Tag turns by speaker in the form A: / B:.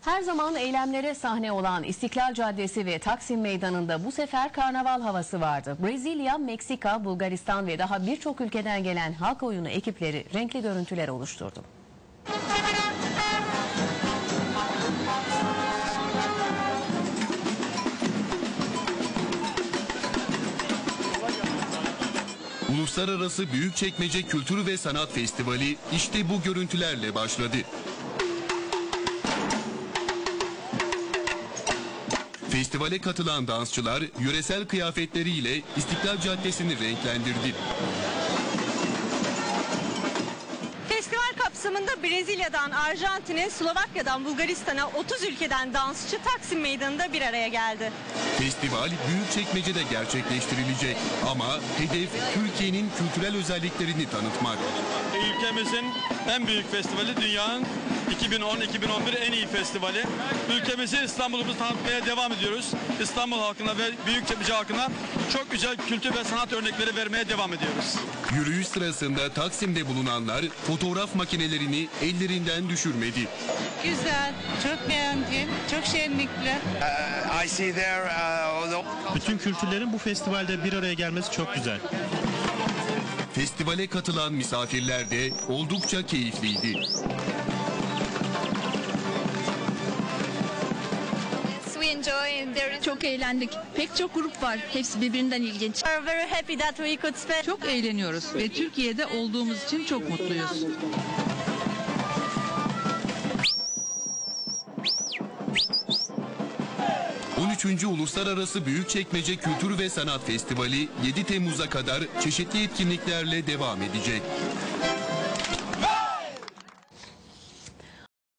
A: Her zaman eylemlere sahne olan İstiklal Caddesi ve Taksim Meydanı'nda bu sefer karnaval havası vardı. Brezilya, Meksika, Bulgaristan ve daha birçok ülkeden gelen halk oyunu ekipleri renkli görüntüler oluşturdu.
B: Uluslararası Büyükçekmece Kültür ve Sanat Festivali işte bu görüntülerle başladı. Festivale katılan dansçılar yöresel kıyafetleriyle İstiklal Caddesi'ni renklendirdi.
C: Festival kapsamında Brezilya'dan Arjantin'e, Slovakya'dan Bulgaristan'a 30 ülkeden dansçı Taksim Meydanı'nda bir araya geldi.
B: Festival Büyükçekmece'de gerçekleştirilecek ama hedef Türkiye'nin kültürel özelliklerini tanıtmak.
D: Ülkemizin en büyük festivali, dünyanın 2010-2011 en iyi festivali. Ülkemizi, İstanbul'umuzu tanıtmaya devam ediyoruz. İstanbul halkına ve Büyükçekmece halkına çok güzel kültür ve sanat örnekleri vermeye devam ediyoruz.
B: Yürüyüş sırasında Taksim'de bulunanlar fotoğraf makinelerini ellerinden düşürmedi.
E: Güzel, çok beğendim, çok şenlikli.
F: Bütün kültürlerin bu festivalde bir araya gelmesi çok güzel.
B: Festivale katılan misafirler de oldukça keyifliydi.
G: Çok eğlendik. Pek çok grup var. Hepsi birbirinden ilginç.
E: Çok eğleniyoruz ve Türkiye'de olduğumuz için çok mutluyuz.
B: Uluslararası Büyükçekmece Kültür ve Sanat Festivali 7 Temmuz'a kadar çeşitli etkinliklerle devam edecek.